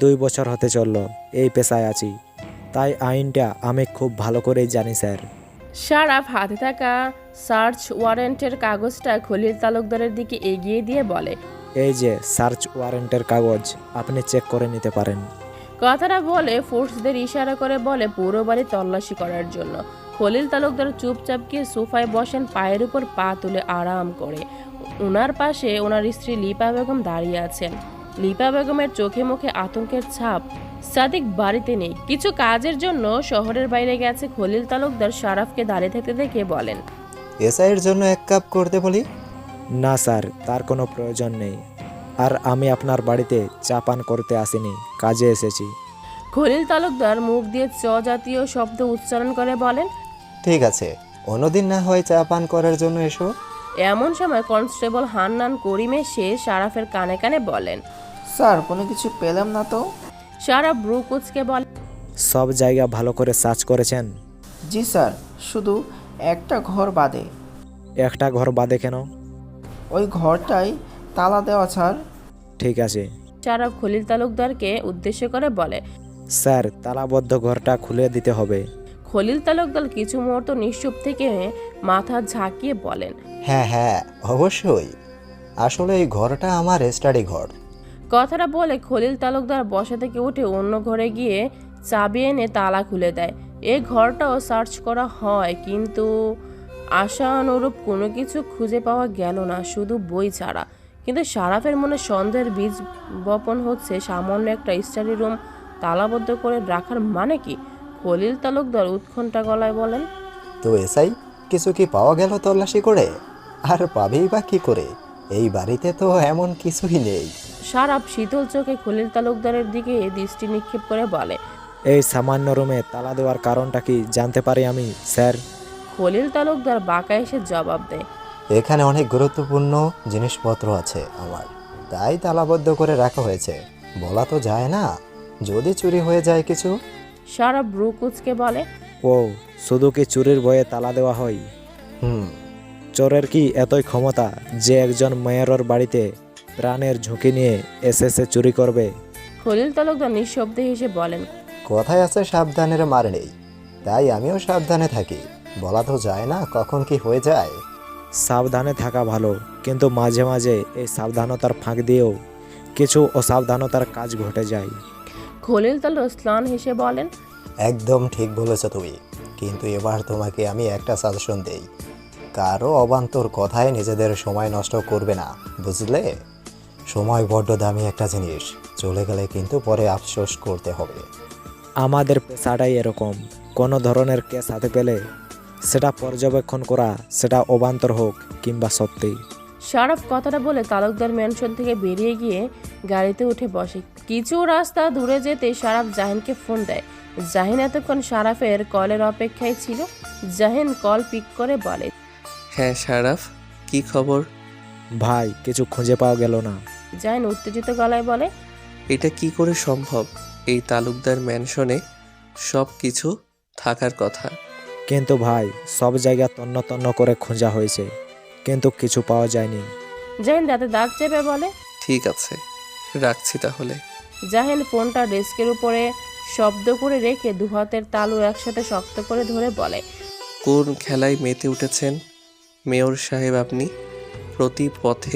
2 বছর হতে চললো এই পেশায় আছি, তাই আইনটা আমি খুব ভালো করেই জানি স্যার। সারাফ হাতে থাকা সার্চ ওয়ারেন্টের কাগজটা খলিল তালুকদারের দিকে এগিয়ে দিয়ে বলে, এই যে সার্চ ওয়ারেন্টের কাগজ, আপনি চেক করে নিতে পারেন। কথাটা বলে ফোর্সদের ইশারা করে বলে পুরো বাড়ি তল্লাশি করার জন্য। খলিল তালুকদার চুপচাপ গিয়ে সোফায় বসেন, পায়ের উপর পা তুলে আরাম করে। ওনার পাশে ওনার স্ত্রী লিপা বেগম দাঁড়িয়ে আছেন। লিপা বেগমের চোখে মুখে আতঙ্কের ছাপ। সাদিক বাড়িতে নেই, কিছু কাজের জন্য শহরের বাইরে গেছে। খলিল তালুকদার সারাফকে দাঁড়িয়ে থাকতে দেখে বলেন, এসআইয়ের জন্য 1 কাপ করতে বলি। না স্যার, তার কোনো প্রয়োজন নেই। আর আমি আপনার বাড়িতে চা পান করতে আসিনি, কাজে এসেছি। খলিল তালুকদার মুখ দিয়ে চ জাতীয় শব্দ উচ্চারণ করে বলেন, ঠিক আছে, অন্যদিন না হয় চা পান করার জন্য এসো। এমন সময় কনস্টেবল হান্নান করিম এসে সারাফের কানে কানে বলেন। স্যার কোনো কিছু পেলাম না তো। সারাফ ব্রু কুচকে বলে, সব জায়গা ভালো করে সার্চ করেছেন? জি স্যার, শুধু একটা ঘর বাদে। একটা ঘর বাদে কেন? ওই ঘরটাই তালা দেওয়া স্যার। ঠিক আছে সারাফ খলিল তালুকদারকে উদ্দেশ্য করে বলে। স্যার, তালাবদ্ধ ঘরটা খুলে দিতে হবে। খলিল তালুকদার কিছু মুহূর্ত নিশ্চুপ থেকে মাথা ঝাঁকিয়ে বলেন, হ্যাঁ হ্যাঁ, অবশ্যই। আসলে এই ঘরটা আমার স্টাডি ঘর। কথাটা বলে খলিল তালুকদার বসা থেকে উঠে অন্য ঘরে গিয়ে চাবি এনে তালা খুলে দেয়। এই ঘরটাও সার্চ করা হয়, কিন্তু আশানুরূপ কোনো কিছু খুঁজে পাওয়া গেল না, শুধু বই ছাড়া। কিন্তু সারাফের মনে সন্দেহের বীজ বপন হচ্ছে। সামান্য একটা স্টাডি রুম তালাবদ্ধ করে রাখার মানে কি? খলিল তালুকদার উৎকণ্ঠা গলায় বলেন, তো এসআই, কিছু কি পাওয়া গেল তল্লাশি করে? আর পাবেই বা কি করে? এই বাড়িতে তো এমন কিছুই নেই। সারাফ শীতল চোখে খলিল তালুকদারের দিকে দৃষ্টি নিক্ষেপ করে বলে, এই সামান্য রুমে তালা দেওয়ার কারণটা কি জানতে পারি আমি স্যার? খলিল তালুকদার বাঁকা এসে জবাব দেয়, এখানে অনেক গুরুত্বপূর্ণ জিনিসপত্র আছে আমার, তাই তালাবদ্ধ করে রাখা হয়েছে। বলা তো যায় না, যদি চুরি হয়ে যায় কিছু। সারাফ ব্রু কুচকে বলে, ও, শুধু কি চুরির ভয়ে তালা দেওয়া হয়? হুম। চোরের কি এতই ক্ষমতা যে একজন মেয়রের বাড়িতে প্রাণের ঝুঁকি নিয়ে এসে চুরি করবে? খলিল তালুকদার নিঃশব্দে হেসে বলেন, কথায় আছে সাবধানের মার নেই, তাই আমিও সাবধানে থাকি। বলা তো যায় না কখন কি হয়ে যায়। সাবধানে থাকা ভালো, কিন্তু মাঝে মাঝে এই সাবধানতার ফাঁক দিয়েও কিছু অসাবধানতার কাজ ঘটে যায়। খলিল তালুকদার স্নান হেসে বলেন, একদম ঠিক বলেছ তুমি, কিন্তু এবার তোমাকে আমি একটা সাজেশন দেই। কারো অবান্তর কথায় নিজেদের সময় নষ্ট করবে না, বুঝলে? সময় বড্ড দামি একটা জিনিস, চলে গেলে কিন্তু পরে আফসোস করতে হবে। আমাদের পেশাটাই এরকম, কোনো ধরনের কেস হাতে পেলে সেটা পর্যবেক্ষণ করা, সেটা অবান্তর হোক কিংবা সত্যি। সারাফ কথাটা বলে তালুকদার ম্যানশন থেকে বেরিয়ে গিয়ে গাড়িতে উঠে বসে। কিছু রাস্তা দূরে যেতে সারাফ জাহিনকে ফোন দেয়। জাহিন এতক্ষণ সারাফের কলের অপেক্ষায় ছিল। জাহিন কল পিক করে বলে, হ্যাঁ সারাফ, কি খবর? ভাই, কিছু খুঁজে পাওয়া গেল না। জাহিন উত্তেজিত গলায় বলে, এটা কি করে সম্ভব? এই তালুকদার ম্যানশনে সব কিছু থাকার কথা। কিন্তু ভাই, সব জায়গা তন্ন তন্ন করে খোঁজা হয়েছে, কিন্তু কিছু পাওয়া যায়নি। জাহিন দাঁতে দাঁত চেপে বলে। ঠিক আছে, রাখছি তাহলে। জাহিন ফোনটা ডেস্কের উপরে শব্দ করে রেখে দুহাতের তালু একসাথে শক্ত করে ধরে বলে, কোন খেলায় মেতে উঠেছেন মেয়র সাহেব আপনি? প্রতি পথে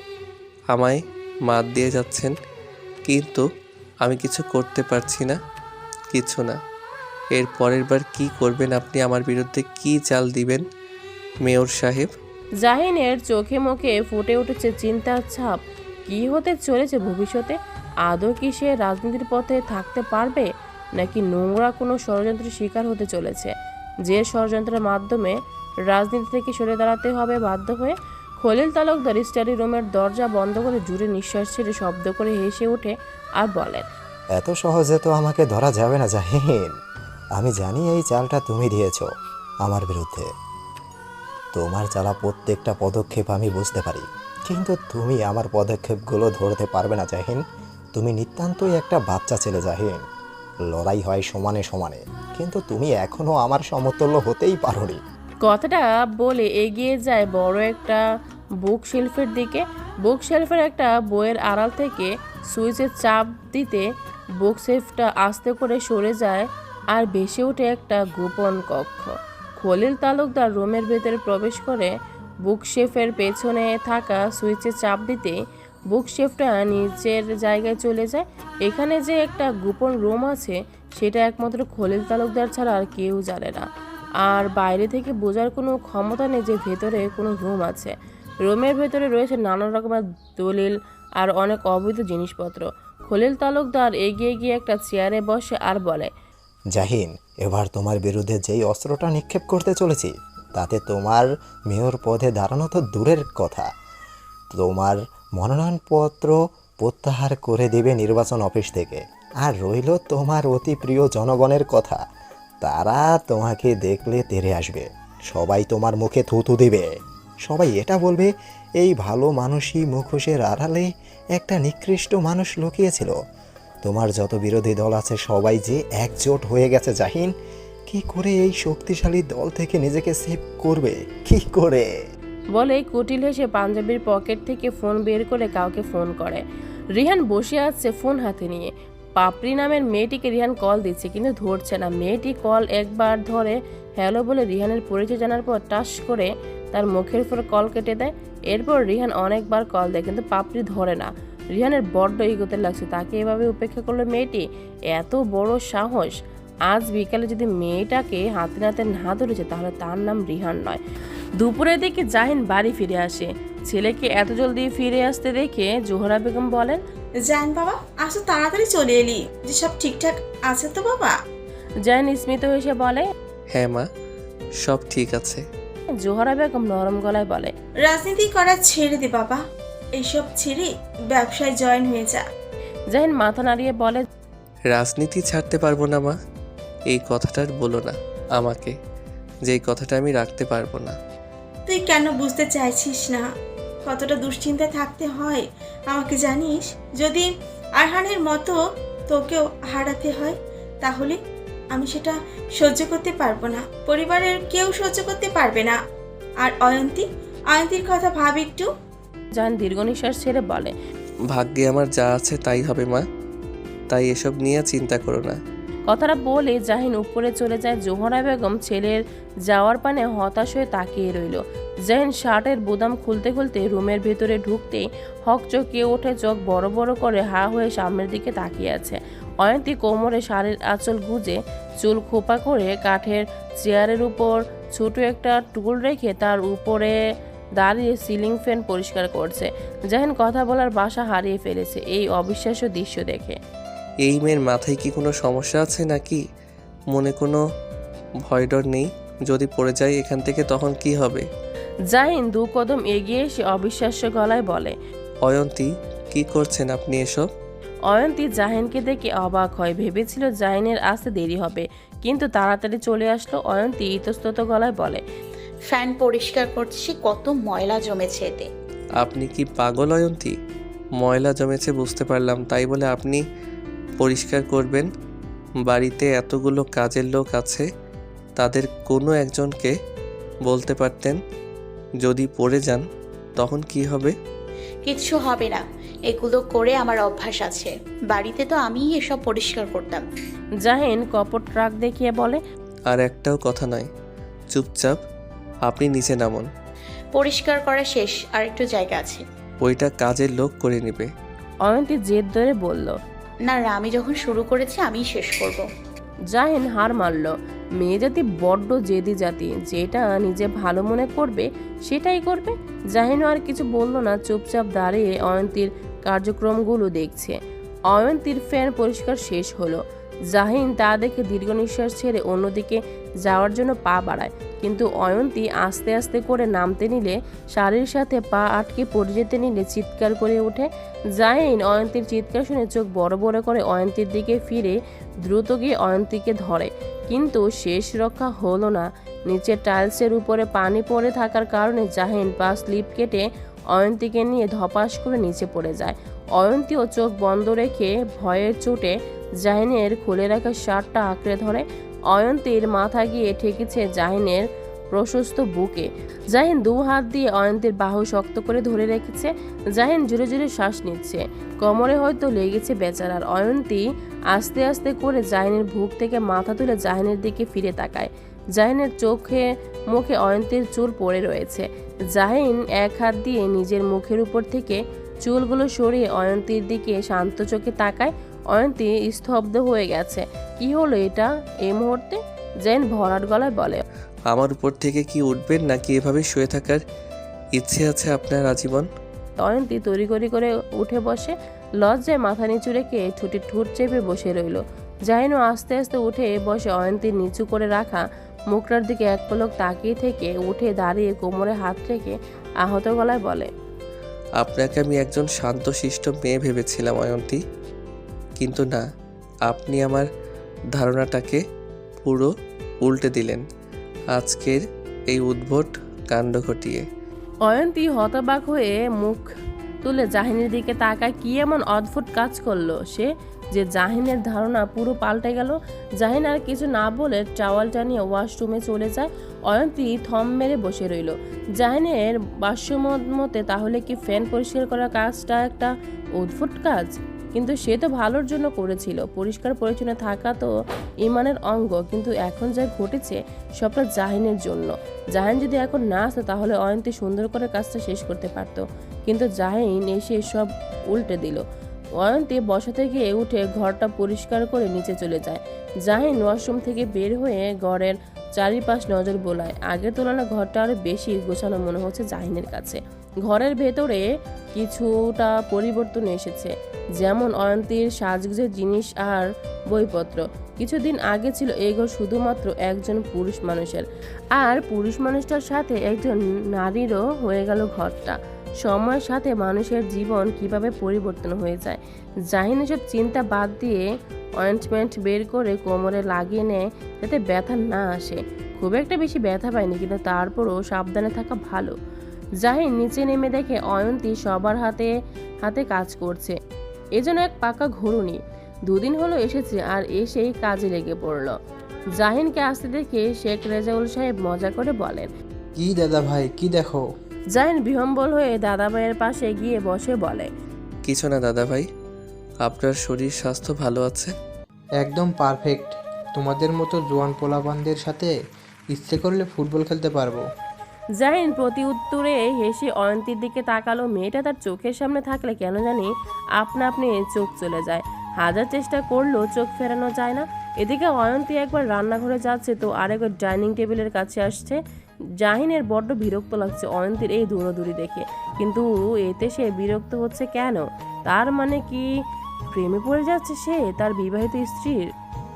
আমায় মাত দিয়ে যাচ্ছেন, কিন্তু আমি কিছু করতে পারছি না। কিছু না। এর পরের বার কি করবেন আপনি? আমার বিরুদ্ধে কি চাল দিবেন মেয়র সাহেব? জাহিনের চোখে মুখে ফুটে উঠেছে চিন্তার ছাপ। কি হতে চলেছে ভবিষ্যতে? আদৌ কি সে রাজনীতির পথে থাকতে পারবে, নাকি নোংরা কোনো ষড়যন্ত্রের শিকার হতে চলেছে, যে ষড়যন্ত্রের মাধ্যমে রাজনীতি থেকে সরে দাঁড়াতে হবে বাধ্য হয়ে? খলিল তালুকদার স্টাডি রুমের দরজা বন্ধ করে জুড়ে নিঃশ্বাস ছেড়ে শব্দ করে হেসে ওঠে আর বলেন, এত সহজে তো আমাকে ধরা যাবে না জাহিন। আমি জানি এই চালটা তুমি দিয়েছো আমার বিরুদ্ধে। তোমার চালা প্রত্যেকটা পদক্ষেপ আমি বুঝতে পারি, কিন্তু তুমি আমার পদক্ষেপগুলো ধরতে পারবে না জাহিন। তুমি নিতান্তই একটা বাচ্চা ছেলে জাহিন। লড়াই হয় সমানে সমানে, কিন্তু তুমি এখনো আমার সমতুল্য হতেই পারোনি। কথাটা বলে এগিয়ে যায় বড় একটা বুক শেলফের দিকে। বুক শেলফের একটা বইয়ের আড়াল থেকে সুইচে চাপ দিতে বুক সেফটা আস্তে করে সরে যায় আর ভেসে ওঠে একটা গোপন কক্ষ। খলিল তালুকদার রুমের ভেতরে প্রবেশ করে বুকশেফের পেছনে থাকা সুইচে চাপ দিতে বুকশেফটা নিচের জায়গায় চলে যায়। এখানে যে একটা গোপন রুম আছে সেটা একমাত্র খলিল তালুকদার ছাড়া আর কেউ জানে না। আর বাইরে থেকে বোঝার কোনো ক্ষমতা নেই যে ভেতরে কোনো রুম আছে। রুমের ভেতরে রয়েছে নানান রকমের দলিল আর অনেক অবৈধ জিনিসপত্র। খলিল তালুকদার এগিয়ে গিয়ে একটা চেয়ারে বসে আর বলে, জাহিন, এবার তোমার বিরুদ্ধে যেই অস্ত্রটা নিক্ষেপ করতে চলেছি তাতে তোমার মেয়র পদে দাঁড়ানো তো দূরের কথা, তোমার মনোনয়নপত্র প্রত্যাহার করে দেবে নির্বাচন অফিস থেকে। আর রইল তোমার অতি প্রিয় জনগণের কথা, তারা তোমাকে দেখলে তেড়ে আসবে, সবাই তোমার মুখে থুতু দিবে, সবাই এটা বলবে এই ভালো মানুষই মুখোশের আড়ালে একটা নিকৃষ্ট মানুষ লুকিয়েছিল। তোমার যত বিরোধী দল আছে সবাই যে একজোট হয়ে গেছে জাহিন, কি করে এই শক্তিশালী দল থেকে নিজেকে সেভ করবে, কি করে? বলে কুটিল হেসে পাঞ্জাবির পকেট থেকে ফোন বের করে কাউকে ফোন করে। রিহান বসে আছে ফোন হাতে নিয়ে। পাপড়ি নামের মেয়েটিকে রিহান কল দিচ্ছে কিন্তু ধরছে না। মেয়েটি কল একবার ধরে হ্যালো বলে রিহানের পরিচয় জানার পর টাস করে তার মুখের উপর কল কেটে দেয়। এরপর রিহান অনেকবার কল দেয় কিন্তু পাপড়ি ধরে না। রিহানের বড্ড ইগোতে লাগছে, তাকে এভাবে উপেক্ষা করলো মেয়েটি, এত বড় সাহস। আজ বিকালে যদি মেয়েটাকে হাতে নাতে না ধরেছে তাহলে তার নাম রিহান নয়। দুপুরের দিকে জাহিন বাড়ি ফিরে আসে। ছেলেকে এত জলদি ফিরে আসতে দেখে জোহরা বেগম বলেন, জান বাবা, আজ তো তাড়াতাড়ি চলে এলি, যে সব ঠিকঠাক আছে তো বাবা? জাহিন স্মিত হেসে বলে, হ্যাঁ মা, সব ঠিক আছে। জোহরা বেগম নরম গলায় বলে, রাজনীতি করা ছেড়ে দে বাবা, এইসব ছেড়ে ব্যবসায় জয়েন হয়ে যা। জাহিন মাথা নাড়িয়ে বলে, রাজনীতি ছাড়তে পারবো না মা, এই কথাটার বলো না আমাকে, যে এই কথাটা আমি রাখতে পারবো না। তুই কেন বুঝতে চাইছিস না কতটা দুশ্চিন্তায় থাকতে হয় আমাকে জানিস? যদি আরহানের মতো তোকেও হারাতে হয় তাহলে আমি সেটা সহ্য করতে পারবো না, পরিবারের কেউ সহ্য করতে পারবে না। আর অয়ন্তীর কথা ভাব একটু। জাহিন দীর্ঘ নিঃশ্বাস ছেড়ে বলে, ভাগ্যে আমার যা আছে তাই হবে মা, তাই এসব নিয়ে চিন্তা করো না। কথাটা বলে জাহিন উপরে চলে যায়। জোহরা বেগম ছেলের যাওয়ার পানে হতাশ হয়ে তাকিয়ে রইল। জাহিন শার্টের বোতাম খুলতে খুলতে রুমের ভেতরে ঢুকতেই হকচকিয়ে ওঠে, চোখ বড় বড় করে হা হয়ে সামনের দিকে তাকিয়ে আছে। অয়ন্তী কোমরে শাড়ির আঁচল গুজে চুল খোপা করে কাঠের চেয়ারের উপর ছোট একটা টুল রেখে তার উপরে দাঁড়িয়ে সিলিং ফ্যান পরিষ্কার করছে। জাহিন কথা বলার ভাষা হারিয়ে ফেলেছে এই অবিশ্বাস্য দৃশ্য দেখে। এই মেয়ের মাথায় কি কোনো সমস্যা আছে নাকি? মনে কোনো ভয় ডর নেই? যদি পড়ে যায় এখান থেকে তখন কি হবে? জাহিন দু কদম এগিয়ে এসে অবিশ্বাস্য গলায় বলে, অয়ন্তী, কি করছেন আপনি এসব? অয়ন্তী জাহিনকে দেখে অবাক হয়, ভেবেছিল জাহিনের আসতে দেরি হবে কিন্তু তাড়াতাড়ি চলে আসলো। অয়ন্তী ইতস্তত গলায় বলে, ফ্যান পরিষ্কার করছি, কত ময়লা জমেছে এতে। আপনি কি পাগল অয়ন্তী? ময়লা জমেছে বুঝতে পারলাম, তাই বলে আপনি পরিষ্কার করবেন? বাড়িতে এতগুলো কাজের লোক আছে, তাদের কোনো একজনকে বলতে পারতেন। যদি পড়ে যান তখন কি হবে? কিচ্ছু হবে না, এগুলো করে আমার অভ্যাস আছে। বাড়িতে তো আমিই এসব পরিষ্কার করতাম। জাহিন কপট রাগ দেখিয়ে বলে, আর একটাও কথা নয়, চুপচাপ আপনি নিচে নামুন। পরিষ্কার করা শেষ, আর একটু জায়গা আছে। ওইটা কাজের লোক করে নেবে। অয়ন্তী জেদ ধরে বলল, না, আমি যখন শুরু করেছি আমিই শেষ করব। জাহিন হার মানল। মেয়ে জাতি বড্ড জেদি জাতি, যেটা নিজে ভালো মনে করবে সেটাই করবে। জাহিনও আর কিছু বলল না, চুপচাপ দাঁড়িয়ে অয়ন্তীর কার্যক্রমগুলো দেখছে। অয়ন্তীর ফ্যান পরিষ্কার শেষ হলো। জাহিন তা দেখে দীর্ঘ নিঃশ্বাস ছেড়ে অন্যদিকে যাওয়ার জন্য পা বাড়ায়, কিন্তু অয়ন্তী আস্তে আস্তে করে নামতে নিলে, শাড়ির সাথে পা আটকে পড়ে যেতে নিলে চিৎকার করে ওঠে। জাহিন অয়ন্তীর চিৎকার শুনে চোখ বড় বড় করে অয়ন্তীর দিকে ফিরে দ্রুত গিয়ে অয়ন্তীকে ধরে, কিন্তু শেষ রক্ষা হলো না। নিচে টাইলসের উপরে পানি পড়ে থাকার কারণে জাহিন পা স্লিপ কেটে অয়ন্তীকে নিয়ে ধপাস করে নিচে পড়ে যায়। অয়ন্তীও চোখ বন্ধ রেখে ভয়ের চোটে জাহিনের খুলে রাখা শার্টটা আঁকড়ে ধরে। অয়ন্তীর মাথা গিয়ে ঠেকেছে জাহিনের প্রশস্ত বুকে। জাহিন দু হাত দিয়ে অয়ন্তীর বাহু শক্ত করে ধরে রেখেছে। জাহিন জোরে জোরে শ্বাস নিচ্ছে, কোমরে হয়তো লেগেছে বেচারার। অয়ন্তী আস্তে আস্তে করে জাহিনের বুক থেকে মাথা তুলে জাহিনের দিকে ফিরে তাকায়। জাহিনের চোখে মুখে অয়ন্তীর চুল পড়ে রয়েছে। জাহিন এক হাত দিয়ে নিজের মুখের উপর থেকে চুলগুলো সরিয়ে অয়ন্তীর দিকে শান্ত চোখে তাকায়। অয়ন্তী স্তব্ধ হয়ে গেছে। কি হলো এটা এই মুহূর্তে? জাহিন ভরাট গলায় বলে, আমার উপর থেকে কি উঠবেন নাকি এভাবে শুয়ে থাকার ইচ্ছে আছে আপনার আজীবন? অয়ন্তী তড়িঘড়ি করে উঠে বসে, লজ্জায় মাথা নিচু রেখে ঠোঁটে ঠোঁট চেপে বসে রইল। জাহিনও আস্তে আস্তে উঠে বসে অয়ন্তীর নিচু করে রাখা মুখটার দিকে এক পলক তাকিয়ে থেকে উঠে দাঁড়িয়ে কোমরে হাত রেখে আহত গলায় বলে, আপনাকে আমি একজন শান্তশিষ্ট মেয়ে ভেবেছিলাম অয়ন্তী, কিন্তু না, আপনি আমার ধারণাটাকে পুরো উল্টে দিলেন আজকের এই উদ্ভট কাণ্ড ঘটিয়ে। অয়ন্তী হতবাক হয়ে মুখ তুলে জাহিনের দিকে তাকায়। কি এমন অদ্ভুত কাজ করলো সে যে জাহিনের ধারণা পুরো পাল্টে গেল? জাহিন আর কিছু না বলে টাওয়ালটা নিয়ে ওয়াশরুমে চলে যায়। অয়ন্তী থম মেরে বসে রইল। জাহিনের ভাষ্যমতে তাহলে কি ফ্যান পরিষ্কার করার কাজটা একটা অদ্ভুত কাজ? কিন্তু সে তো ভালোর জন্য করেছিল। পরিষ্কার পরিচ্ছন্ন থাকা তো ইমানের অঙ্গ। কিন্তু এখন যা ঘটেছে সবটা জাহিনের জন্য। জাহিন যদি এখন না আসতো তাহলে অয়ন্তী সুন্দর করে কাজটা শেষ করতে পারত। কিন্তু জাহিন এসে সব উল্টে দিল। অয়ন্তী বসা থেকে উঠে ঘরটা পরিষ্কার করে নিচে চলে যায়। জাহিন ওয়াশরুম থেকে বের হয়ে ঘরের চারিপাশ নজর বোলায়। আগের তুলনায় ঘরটা আরো বেশি গোছানো মনে হচ্ছে জাহিনের কাছে। ঘরের ভেতরে কিছুটা পরিবর্তন এসেছে, যেমন অয়ন্তীর সাজগোজের জিনিস আর বইপত্র। কিছুদিন আগে ছিল এই ঘর শুধুমাত্র একজন পুরুষ মানুষের, আর পুরুষ মানুষটার সাথে একজন নারীরও হয়ে গেল ঘরটা। সময়ের সাথে মানুষের জীবন কিভাবে পরিবর্তন হয়ে যায়। জাহিন এসব চিন্তা বাদ দিয়ে অয়েন্টমেন্ট বের করে কোমরে লাগিয়ে নেয় যাতে ব্যথা না আসে। খুব একটা বেশি ব্যথা পায়নি, কিন্তু তারপরও সাবধানে থাকা ভালো। জাহিন নিচে নেমে দেখে অয়ন্তী সবার হাতে হাতে কাজ করছে। এজন্য এক পাকা ঘুরুনি। দুদিন হলো এসেছে আর এসেই কাজে লেগে পড়ল। জাহিনকে আসতে দেখে শেখ রেজাউল সাহেব মজা করে বলেন, কি দাদা ভাই, কি দেখো? জাহিন বিহম্বল হয়ে দাদাভাইয়ের পাশে গিয়ে বসে বলে, কিছু না দাদা ভাই, আপনার শরীর স্বাস্থ্য ভালো আছে? একদম পারফেক্ট। তোমাদের মতো জোয়ান পোলাপানদের সাথে ইচ্ছে করলে ফুটবল খেলতে পারবো। জাহিন প্রতি উত্তরে হেসে অয়ন্তীর দিকে তাকালো। মেয়েটা তার চোখের সামনে থাকলে কেন জানি আপনা আপনি চোখ চলে যায়। হাজার চেষ্টা করলেও চোখ ফেরানো যায় না। এদিকে অয়ন্তী একবার রান্নাঘরে যাচ্ছে তো আরেকবার ডাইনিং টেবিলের কাছে আসছে। জাহিনের বড্ড বিরক্ত লাগছে অয়ন্তীর এই দৌড়াদৌড়ি দেখে, কিন্তু এতে সে বিরক্ত হচ্ছে কেন? তার মানে কি প্রেমে পড়ে যাচ্ছে সে তার বিবাহিত স্ত্রীর?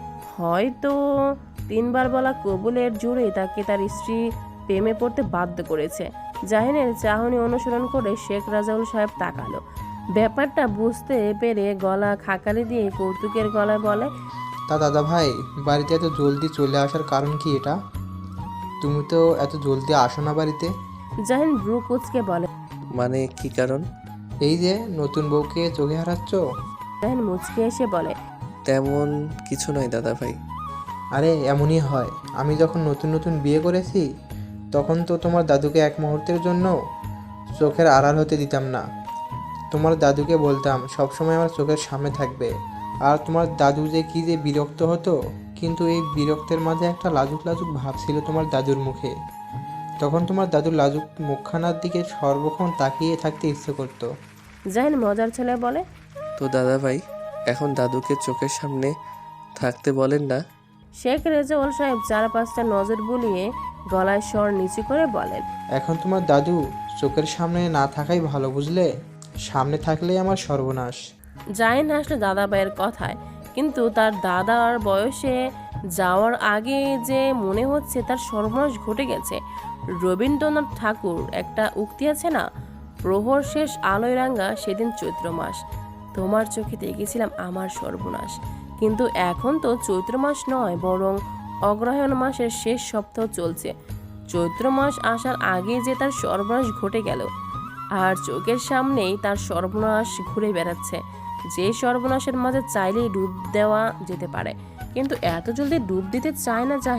হয়তো 3 বার বলা কবুলের জোরে তাকে তার স্ত্রী প্রেমে পড়তে বাধ্য করেছে। জাহিনের চাহনি অনুসরণ করে শেখ রাজাউল সাহেব তাকালো। ব্যাপারটা বুঝতে পেরে গলা খাকালি দিয়ে কৌতুকের গলায় বলে, তা দাদা ভাই, বাড়িতে এত জলদি চলে আসার কারণ কি এটা? তুমি তো এত জলদি আসো না বাড়িতে। জাহিন ব্রু কুচকে বলে, মানে কি কারণ? এই যে নতুন বউকে চোখে হারাচ্ছ। জাহিন মুচকে এসে বলে, তেমন কিছু নয় দাদা ভাই। আরে এমনই হয়। আমি যখন নতুন নতুন বিয়ে করেছি তখন তো তোমার দাদুকে এক মুহূর্তের জন্য চোখের আড়াল হতে দিতাম না। তোমার দাদুকে বলতাম সবসময় আমার চোখের সামনে থাকবে। আর তোমার দাদু যে কী যে বিরক্ত হতো, কিন্তু এই বিরক্তের মাঝে একটা লাজুক লাজুক ভাব ছিল তোমার দাদুর মুখে। তখন তোমার দাদুর লাজুক মুখখানার দিকে সর্বক্ষণ তাকিয়ে থাকতে ইচ্ছে করতো। জাহিন মজার ছেলে বলে, তো দাদা ভাই, এখন দাদুকে চোখের সামনে থাকতে বলেন না। শেখ রেজাউল সাহেব 4-5টা নজর বুলিয়ে গলায় স্বর নিচু করে বলেন, এখন তোমার দাদু চোখের সামনে না থাকাই ভালো, বুঝলে? সামনে থাকলেই আমার সর্বনাশ। জাহিন হাসলো দাদাভাইয়ের কথায়, কিন্তু তার দাদার বয়সে যাওয়ার আগে যে মনে হচ্ছে তার সর্বনাশ ঘটে গেছে। রবীন্দ্রনাথ ঠাকুর একটা উক্তি আছে না, প্রহর শেষ আলোয় রাঙা সেদিন চৈত্র মাস, তোমার চোখে দেখেছিলাম আমার সর্বনাশ। কিন্তু এখন তো চৈত্র মাস নয়, বরং অগ্রহায়ণ মাসের শেষ সপ্তাহ চলছে। চৈত্র মাস আসার আগে যে তার সর্বনাশ ঘটে গেল, আর চোখের সামনেই তার সর্বনাশ ঘুরে বেড়াচ্ছে। যে সর্বনাশের মাঝে চাইলেই ডুব দেওয়া যেতে পারে, কিন্তু এত জলদি ডুব দিতে চায় না জাহিন।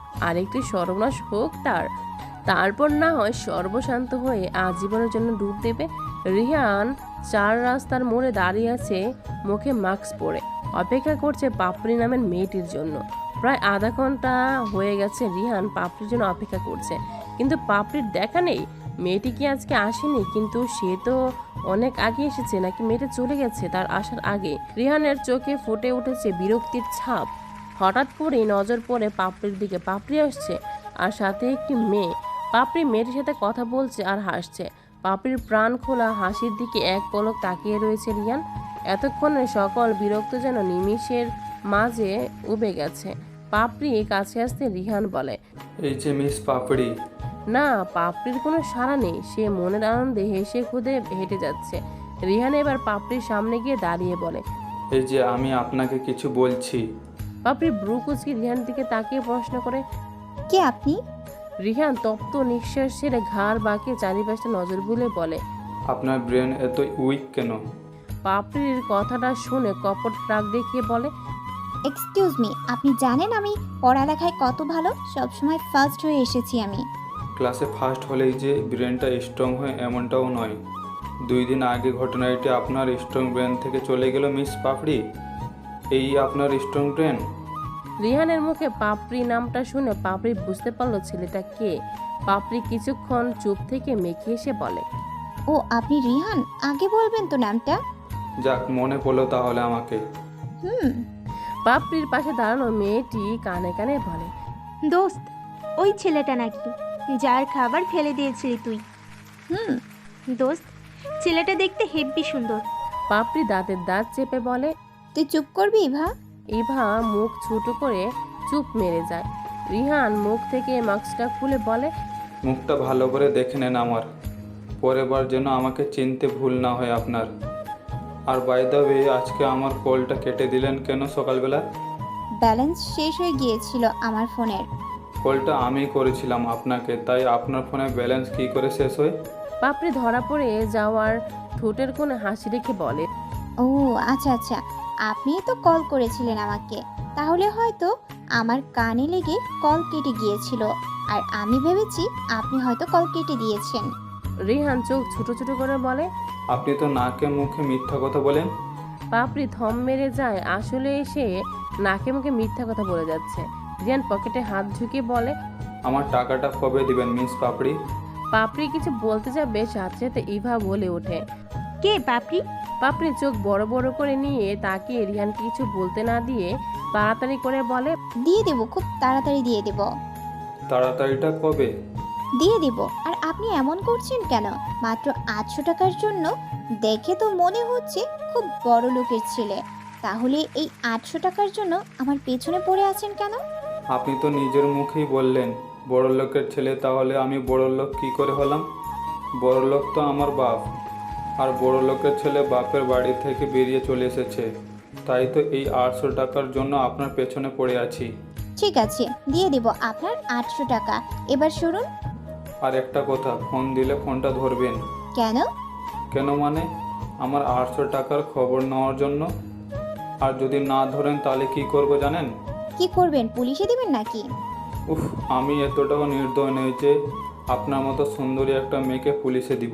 আরেকটি সর্বনাশ হোক তারপর না হয় সর্বশান্ত হয়ে আজীবনের জন্য ডুব দেবে। রিহান 4 রাস্তার মোড়ে দাঁড়িয়ে আছে, মুখে মাস্ক পরে অপেক্ষা করছে পাপড়ি নামের মেয়েটির জন্য। প্রায় আধা ঘন্টা হয়ে গেছে রিহান পাপড়ির জন্য অপেক্ষা করছে, কিন্তু পাপড়ির দেখা নেই। মেয়েটি কি আজকে আসেনি? কিন্তু সে তো অনেক আগে এসেছে, নাকি মেয়েটা চলে গেছে তার আসার আগে? রিহানের চোখে ফুটে উঠেছে বিরক্তির ছাপ। হঠাৎ করেই নজর পড়ে পাপড়ির দিকে। পাপড়ি আসছে আর সাথে একটি মেয়ে। পাপড়ি মেয়েটির সাথে কথা বলছে আর হাসছে। পাপড়ির প্রাণ খোলা হাসির দিকে এক পলক তাকিয়ে রয়েছে রিহান। এতক্ষণে সকল বিরক্ত যেন নিমিষের মাঝে উবে গেছে। পাপড়ি কাছে আসতে রিহান বলে, এই যে মিস পাপড়ি। না, পাপড়ির কোনো সাড়া নেই। সে মনের আনন্দে হেসে খুদে হেঁটে যাচ্ছে। রিহান এবার পাপড়ির সামনে গিয়ে দাঁড়িয়ে বলে, এই যে আমি আপনাকে কিছু বলছি। পাপড়ি ব্রু কুচকে রিহানের দিকে তাকিয়ে প্রশ্ন করে, কে আপনি? রিহান তপ্ত নিঃশ্বাস ছেড়ে ঘাড় বাঁকিয়ে চারিপাশে নজর বুলে বলে, আপনার ব্রেন এত উইক কেন? পাপড়ির কথাটা শুনে কপট রাগ দেখিয়ে বলে, এক্সকিউজ মি, আপনি জানেন আমি পড়ালেখায় কত ভালো? সবসময় ফার্স্ট হয়ে এসেছি আমি। ক্লাসে ফার্স্ট হলেই যে ব্রেনটা স্ট্রং হয় এমনটাও নয়। 2 দিন আগে ঘটনাটি আপনার স্ট্রং ব্রেন থেকে চলে গেল মিস পাপড়ি। এই আপনার স্ট্রং ব্রেন? রিহানের মুখে পাপড়ি নামটা শুনে পাপড়ি বুঝতে পারলো ছেলেটা কে। পাপড়ি কিছুক্ষণ চুপ থেকে মেখে এসে বলে, ও আপনি রিহান, আগে বলবেন তো নামটা। যাক, মনে পড়লো তাহলে আমাকে। পাপড়ির পাশে দাঁড়ানো মেয়েটি কানে কানে বলে, দোস্ত, ওই ছেলেটা নাকি যার খাবার ফেলে দিয়েছিলি তুই? দোস্ত, ছেলেটা দেখতে হেব্বি সুন্দর। পাপড়ি দাঁতের দাঁত চেপে বলে, তুই চুপ করবি ইভা? ইভা মুখ ছোট করে চুপ মেরে যায়। রিহান মুখ থেকে মাস্কটা খুলে বলে, মুখটা ভালো করে দেখে নেন আমার, পরের বার যেন আমাকে চিনতে ভুল না হয় আপনার। আর বাই দ্য ওয়ে, আজকে আমার কলটা কেটে দিলেন কেন সকালবেলা? ব্যালেন্স শেষ হয়ে গিয়েছিল আমার ফোনের। কলটা আমি করেছিলাম আপনাকে, তাই আপনার ফোনে ব্যালেন্স কী করে শেষ হয়? পাপড়ি ধরা পড়ে যাওয়ার ঠোঁটের কোণে হাসি রেখে বলে, ও আচ্ছা আচ্ছা, আপনি তো কল করেছিলেন আমাকে, তাহলে হয়তো আমার কানে লেগে কল কেটে গিয়েছিল, আর আমি ভেবেছি আপনি হয়তো কল কেটে দিয়েছেন। রিহান চোখ ছোট ছোট করে বলে, আপনি তো নাকে মুখে মিথ্যা কথা বলেন। পাপড়ি থম মেরে যায়। আসলে সে নাকে মুখে মিথ্যা কথা বলে যাচ্ছে। রিহান পকেটে হাত ঢুকিয়ে বলে, আমার টাকাটা কবে দিবেন মিস পাপড়ি? পাপড়ি কিছু বলতে যাবে, সাথে সাথে ইভা বলে ওঠে, কে পাপড়ি? পাপড়ি চোখ বড় বড় করে নিয়ে তাকিয়ে রিহানকে কিছু বলতে না দিয়ে তাড়াতাড়ি করে বলে, দিয়ে দেব, খুব তাড়াতাড়ি দিয়ে দেব। তাড়াতাড়িটা কবে? দিয়ে দেব। আর আপনি এমন করছেন কেন? মাত্র 800 টাকার জন্য? দেখে তো মনে হচ্ছে খুব বড় লোকের ছেলে, তাহলে এই 800 টাকার জন্য আমার পেছনে পড়ে আছেন কেন? আপনি তো নিজের মুখেই বললেন বড় লোকের ছেলে, তাহলে আমি বড় লোক কী করে হলাম? বড় লোক তো আমার বাপ, আর বড় লোকের ছেলে বাপের বাড়ি থেকে বেরিয়ে চলে এসেছে, তাই তো এই 800 টাকার জন্য আপনার পেছনে পড়ে আছি। ঠিক আছে, দিয়ে দেব আপনার 800 টাকা। এবার শুনুন। আর একটা কথা, ফোন দিলে ফোনটা ধরবেন। কেন? কেন মানে আমার 800 টাকার খবর নেওয়ার জন্য। আর যদি না ধরেন তাহলে কি করব জানেন? কি করবেন? পুলিশে দিবেন নাকি? উফ, আমি এতটাও নির্দয় নেই যে আপনার মতো সুন্দরী একটা মেয়েকে পুলিশে দিব।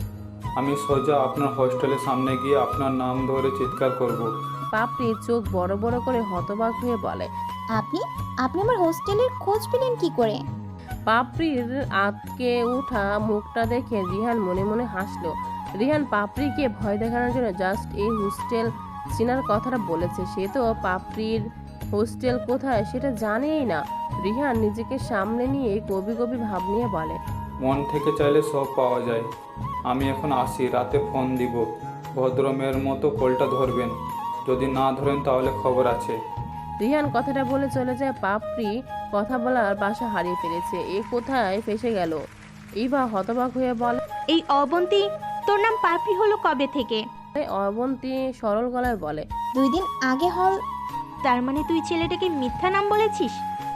আমি সোজা আপনার হোস্টেলের সামনে গিয়ে আপনার নাম ধরে চিৎকার করব। পাপড়ি চোখ বড় বড় করে হতবাক হয়ে বলে, আপনি আপনি আমার হোস্টেলের খোঁজ পেলেন কি করে? পাপড়ির আতকে উঠা মুখটা দেখে রিহান মনে মনে হাসলো। রিহান পাপড়িকে ভয় দেখানোর জন্য জাস্ট এই হোস্টেল চেনার কথাটা বলেছে। সে তো পাপড়ির হোস্টেল কোথায় সেটা জানেই না। রিহান নিজেকে সামনে নিয়ে কবি কবি ভাব নিয়ে বলে, মন থেকে চাইলে সব পাওয়া যায়। আমি এখন আসি, রাতে ফোন দিব। ভদ্র মেয়ের মতো কলটা ধরবেন, যদি না ধরেন তাহলে খবর আছে। রিহান কথাটা বলে চলে যায়। পাপড়ি কথা বলার বাসা হারিয়ে ফেলেছে। এ কোথায় ফেসে গেল? ইভা হতবাক হয়ে বলে, এই অবন্তী, তোর নাম পাপড়ি হলো কবে থেকে? অবন্তী সরল গলায় বলে, 2 দিন আগে হল। তার মানে তুই ছেলেটাকে মিথ্যা নাম বলেছিস?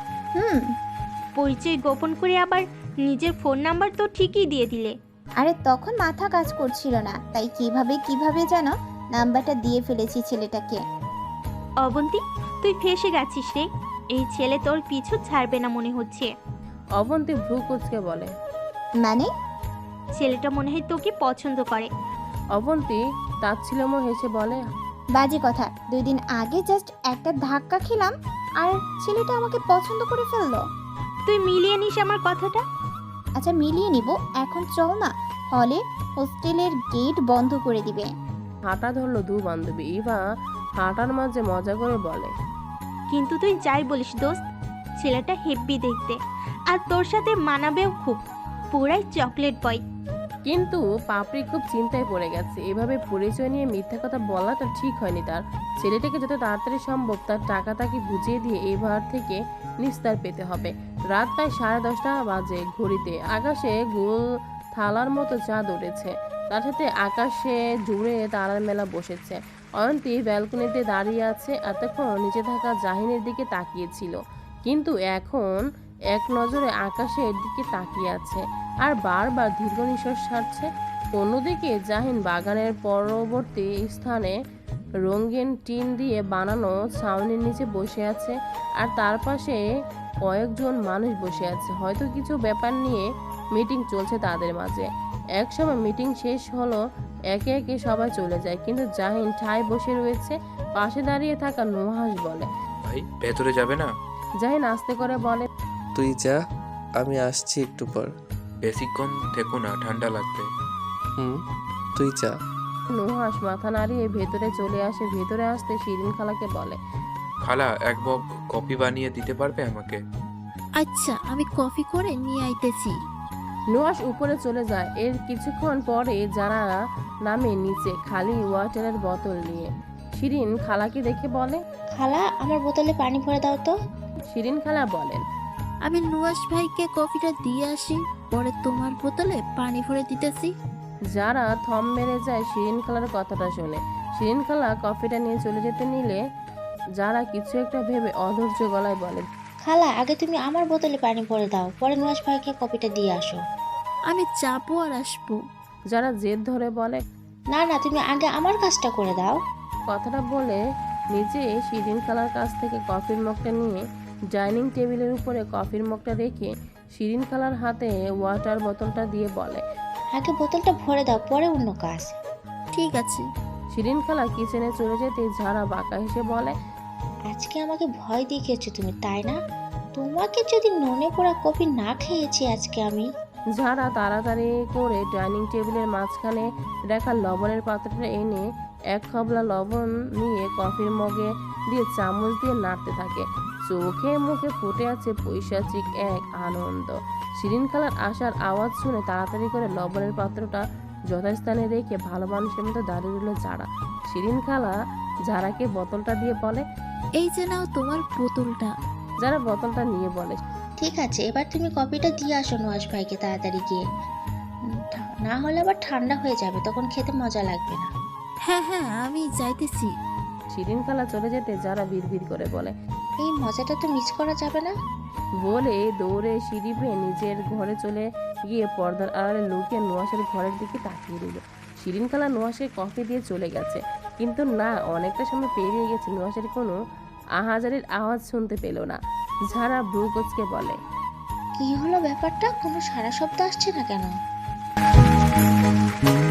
পরিচয় গোপন করে আবার নিজের ফোন নাম্বার তো ঠিকই দিয়ে দিলে। আরে তখন মাথা কাজ করছিল না, তাই কিভাবে যেন নাম্বারটা দিয়ে ফেলেছি ছেলেটাকে। অবন্তী, তুই ফেসে গেছিস রে। এই ছেলে তোর পিছু ছাড়বে না মনে হচ্ছে। অবন্তী ভ্রু কুচকে বলে। মানে? ছেলেটা মনে হয় তোকে পছন্দ করে। অবন্তী তাচ্ছিল্যময় হেসে বলে, বাজে কথা, 2 দিন আগে জাস্ট একটা ধাক্কা খেলাম আর ছেলেটা আমাকে পছন্দ করে ফেললো। তুই মিলিয়ে নিস আমার কথাটা। আচ্ছা মিলিয়ে নিব, এখন চল না, হলে হোস্টেলের গেট বন্ধ করে দিবে। হাঁটা ধরলো দু বান্ধবী। ইভা হাঁটার মাঝে মজা করে বলে, কিন্তু তুই যাই বলিস দোস্ত, ছেলেটা হেব্বি দেখতে আর তোর সাথে মানাবেও খুব, পুরাই চকলেট বয়। কিন্তু পাপড়ি খুব চিন্তায় পড়ে গেছে। এভাবে পরিচয় নিয়ে মিথ্যা কথা বলাটা ঠিক হয়নি তার। ছেলেটাকে যত তাড়াতাড়ি সম্ভব তার টাকা তাকে বুঝিয়ে দিয়ে এবার থেকে নিস্তার পেতে হবে। রাত প্রায় 10:30 বাজে ঘড়িতে। আকাশে গোল থালার মতো চাঁদ উঠেছে, তার সাথে আকাশে জুড়ে তারার মেলা বসেছে। অয়ন্তী ব্যালকনিতে দাঁড়িয়ে আছে, এতক্ষণ নিচে থাকা জাহিনের দিকে তাকিয়েছিল, কিন্তু এখন এক নজরে আকাশের দিকে তাকিয়ে আছে আর বারবার দীর্ঘ নিঃশ্বাস ছাড়ছে। অন্যদিকে জাহিন বাগানের পরবর্তী স্থানে রঙিন টিন দিয়ে বানানো ছাউনির নিচে বসে আছে, আর তার পাশে কয়েকজন মানুষ বসে আছে। হয়তো কিছু ব্যাপার নিয়ে মিটিং চলছে তাদের মাঝে। একসময় মিটিং শেষ হলো, একে একে সবাই চলে যায়, কিন্তু জাহিন ঠায় বসে রয়েছে। পাশে দাঁড়িয়ে থাকা নুহাস বলে, ভাই ভেতরে যাবে না? জাহিন আস্তে করে বলে, তুই যা, আমি আসছি একটু পর। বেশিক্ষণ থেকো না, ঠান্ডা লাগবে। তুই যা। নুহাস মাথা নাড়িয়ে ভেতরে চলে আসে। ভেতরে আসতে শিরিন খালাকে বলে, খালা এক মগ কফি বানিয়ে দিতে পারবে আমাকে? আচ্ছা, আমি কফি করে নিয়ে আইতেছি। নুহাস উপরে চলে যায়। এর কিছুক্ষণ পরে যারা নামে নিচে খালি ওয়াটারের বোতল নিয়ে। শিরিন খালাকে দেখে বলে, খালা, আমার বোতলে পানি ভরে দাও তো। শিরিন খালা বলেন, আমি নুয়াস ভাইকে কফিটা দিয়ে আসি, পরে তোমার বোতলে পানি ভরে দিতেছি। যারা থম মেরে যায় শিরিন খালার কথাটা শুনে। শিরিন খালা কফিটা নিয়ে চলে যেতে নিলে যারা কিছু একটা ভেবে অধৈর্য গলায় বলে, খালা, আগে তুমি আমার বোতলে পানি ভরে দাও, পরে নুয়াস ভাইকে কফিটা দিয়ে আসো। আমি যাবো আর আসবো। যারা জেদ ধরে বলে, না না, তুমি আগে আমার কাজটা করে দাও। কথাটা বলে নিজে শিরিন খালার কাছ থেকে কফির মগটা নিয়ে ডাইনিং টেবিলের উপরে কফির মগটা রেখে শিরিন খালার হাতে ওয়াটার বোতলটা দিয়ে বলে, আগে বোতলটা ভরে দাও, পরে অন্য কাজ। ঠিক আছে। শিরিন খালা কিচেনে চলে যেতে ঝাড়া বাঁকা হেসে বলে, আজকে আমাকে ভয় দেখিয়েছো তুমি, তাই না? তোমাকে যদি ননে পোড়া কফি না খেয়েছি আজকে আমি। ঝাড়া তাড়াতাড়ি করে ডাইনিং টেবিলের মাঝখানে রাখা লবণের পাত্রটা এনে এক খাবলা লবণ নিয়ে কফির মগে দিয়ে চামচ দিয়ে নাড়তে থাকে। চোখে মুখে ফুটে আছে পৈশাচিক এক আনন্দ। শিরিন খালার আসার আওয়াজ শুনে তাড়াতাড়ি করে লবণের পাত্রটা যথাস্থানে রেখে ভালো মানুষের মতো দাঁড়িয়ে রইল যারা। শিরিন খালা যারাকে বোতলটা দিয়ে বলে, এই যে নাও তোমার বোতলটা। যারা বোতলটা নিয়ে বলে, ঠিক আছে, এবার তুমি কফিটা দিয়ে আসো নুয়াস ভাইকে তাড়াতাড়ি গিয়ে, না হলে আবার ঠান্ডা হয়ে যাবে, তখন খেতে মজা লাগবে না। হ্যাঁ হ্যাঁ, আমি যাইতেছি। শিরিন খালা চলে যেতে যারা বিড়বিড় করে বলে, এই মজাটা তো মিস করা যাবে না। বলে দৌড়ে সিঁড়ি বেয়ে নিজের ঘরে চলে গিয়ে পর্দার আড়ালে লুকিয়ে নুহাসের ঘরের দিকে তাকিয়ে রইল। শিরিন খালা নুহাসের কফি দিয়ে চলে গেছে, কিন্তু না, অনেকটা সময় পেরিয়ে গেছে, নুহাসের কোনো আহাজারির আওয়াজ শুনতে পেল না। যারা ভ্রু কোচকে বলে, কি হলো ব্যাপারটা, কোনো সারা শব্দ আসছে না কেন?